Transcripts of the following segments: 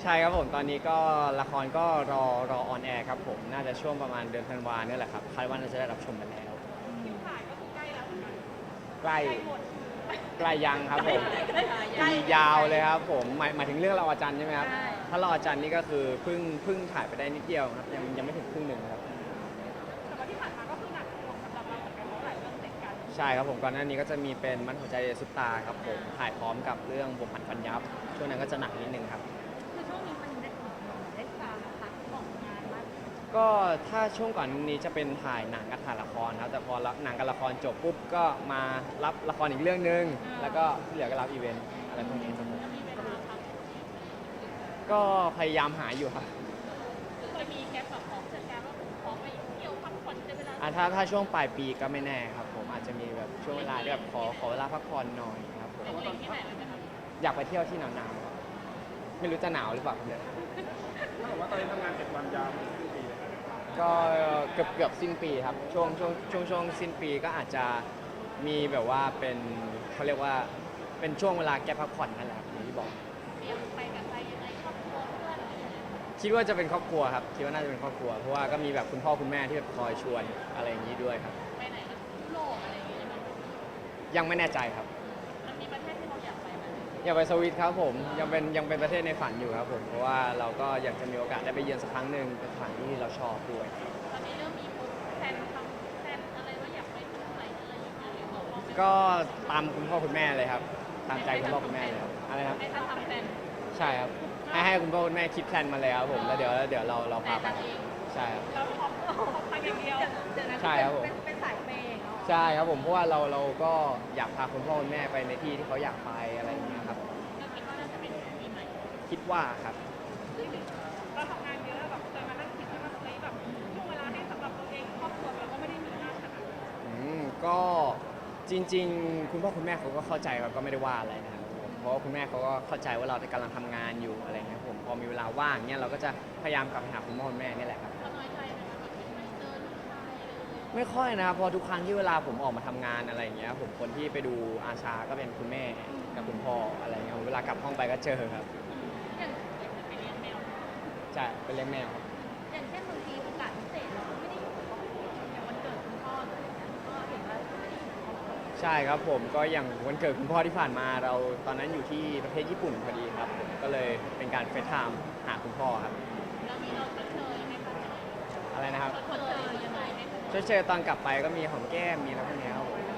ช่ครับผมตอนนี้ก็ละครก็รอออนแอร์ครับผมน่าจะช่วงประมาณเดือนธันวาเนี่ยแหละครับคาดว่าน่าจะได้รับชมกันแล้วคิวถ่ายก็คือใกล้แล้วเหมือนกันใกล้ใกล้หมดใกล้ยังครับผมปียาวเลยครับผมหมายถึงเรื่องเราอาจารย์ใช่ไหมครับถ้าเราอาจารย์นี่ก็คือเพิ่งถ่ายไปได้นิดเดียวครับยังไม่ถึงครึ่งหนึ่งครับแต่ว่าที่ผ่านมาก็คือหนักหน่วงสำหรับเราเหมือนกันเพราะหลายเรื่องติดกันใช่ครับผมก่อนหน้านี้ก็จะมีเป็นมัดหัวใจซุปตาครับผมถ่ายพร้อมกับเรื่องบวกผันฟันยับช่วงนั้นก็จะหนักนิดนึงครับคือช่วงนี้มันได้ตามพักของงานมากก็ถ้าช่วงก่อนนี้จะเป็นถ่ายหนังกับถ่ายละครครับแต่พอหนังกับละครจบปุ๊บก็มารับละครอีกเรื่องนึงแล้วก็ที่เหลือก็รับอีเวนต์อะไรพวกนี้ครับผมจะมีเวลาพักก็พยายามหาอยู่ครับเคยมีแก๊ปแบบของจัดการว่าผมขอไปเที่ยวพักผ่อนในเวลาถ้าช่วงปลายปีก็ไม่แน่ครับผมอาจจะมีแบบช่วงเวลาที่แบบขอเวลาพักผ่อนหน่อยครับผมเป็นที่ไหนเลยนะครับอยากไปเที่ยวที่หนาวๆครับไม่รู้จะหนาวหรือเปล่าครับเนี่ยถ้าบอกว่าตอนนี้ทำงาน7 วันยาวถึงครึ่งปีเลยก็เกือบสิ้นปีครับช่วงสิ้นปีก็อาจจะมีแบบว่าเป็นเขาเรียกว่าเป็นช่วงเวลาแก้พักผ่อนนั่นแหละครับอย่างที่บอกเตรียมไปกับใครยังไงครอบครัวเพื่อนอะไรอย่างเงี้ยคิดว่าจะเป็นครอบครัวครับคิดว่าน่าจะเป็นครอบครัวเพราะว่าก็มีแบบคุณพ่อคุณแม่ที่แบบคอยชวนอะไรอย่างนี้ด้วยครับไปไหนนะยุโรปอะไรอย่างเงี้ยมันยังไม่แน่ใจครับมีประเทศที่เราอยากไปไหมอยากไปสวิตครับผมยังเป็นประเทศในฝันอยู่ครับผมเพราะว่าเราก็อยากจะมีโอกาสได้ไปเยือนสักครั้งหนึ่งเป็นสถานที่ที่เราชอบด้วยตอนนี้เริ่มมีแผนทำแผนอะไรว่าอยากไปที่ไหนอะไรอย่างเงี้ยหรือบอกก็ตามคุณพ่อคุณแม่เลยครับตามใจคุณพ่อคุณแม่เลยครับอะไรครับให้ทำแผนใช่ครับให้คุณพ่อคุณแม่คิดแพลนมาเลยครับผมแล้วเดี๋ยวเราพาไปใช่ครับเราพร้อมไปอย่างเดียวใช่ครับผมเป็นสายเปย์ใช่ครับผมเพราะว่าเราก็อยากพาคุณพ่อคุณแม่ไปในที่ที่เขาอยากไปอะไรอย่างเงี้ยครับก็คิดว่าน่าจะเป็นปีใหม่คิดว่าครับเราทำงานเยอะแบบเคยมานั่งคิดว่าแบบช่วงเวลาให้สำหรับตัวเองครอบครัวเราก็ไม่ได้มีมากขนาดนั้นก็จริงๆคุณพ่อคุณแม่เขาก็เข้าใจเราก็ไม่ได้ว่าอะไรนะครับเพราะว่าคุณแม่เขาก็เข้าใจว่าเรากำลังทำงานอยู่อะไรเงี้ยผมพอมีเวลาว่างเนี่ยเราก็จะพยายามกลับไปหาคุณพ่อคุณแม่นี่แหละครับน้อยใจไหมคะแบบไม่เจอลูกชายไม่ค่อยนะครับพอทุกครั้งที่เวลาผมออกมาทำงานอะไรเงี้ยผมคนที่ไปดูอาชาก็เป็นคุณแม่กับคุณพ่ออะไรเงี้ยเวลากลับห้องไปก็เจอครับอย่างไปเลี้ยงแมวใช่ไปเลี้ยงแมวอย่างเช่นบางทีโอกาสพิเศษเราไม่ได้อยู่กับครอบครัวอย่างวันเกิดคุณพ่ออะไรอย่างเงี้ยก็เห็นว่าไม่ได้อยู่กับครอบครัวใช่ครับผมก็อย่างวันเกิดคุณพ่อที่ผ่านมาเราตอนนั้นอยู่ที่ประเทศญี่ปุ่นพอดีครับผมก็เลยเป็นการเฟซไทม์หาคุณพ่อครับแล้วมีเราชดเชยไหมคะอะไรนะครับชดเชยยังไงไหมชดเชยตอนกลับไปก็มีหอมแก้มมีอะไรพวกนี้ครับผม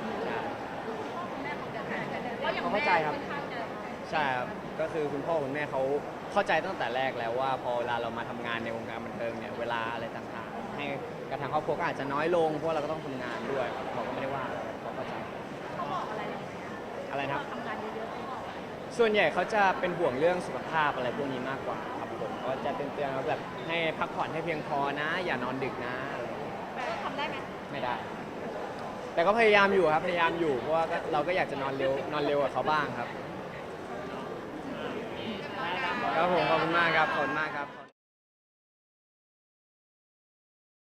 เขาเข้าใจครับใช่ครับก็คือคุณพ่อคุณแม่เขาเข้าใจตั้งแต่แรกแล้วว่าพอเวลาเรามาทำงานในวงการบันเทิงเนี่ยเวลาอะไรต่างๆให้กระทั่งครอบครัวก็อาจจะน้อยลงเพราะเราก็ต้องทำงานด้วยเขาก็ไม่ได้ว่าอะไรเขาเข้าใจเขาบอกอะไรอะไรนะครับทำงานเยอะๆเขาบอกส่วนใหญ่เขาจะเป็นห่วงเรื่องสุขภาพอะไรพวกนี้มากกว่าครับผมก็จะเตือนๆว่าแบบให้พักผ่อนให้เพียงพอนะอย่านอนดึกนะแต่ทำได้ไหมไม่ได้แต่ก็พยายามอยู่ครับพยายามอยู่เพราะว่าเราก็อยากจะนอนเร็วกว่าเขาบ้างครับครับผมขอบคุณมากครับขอบคุณมากครับ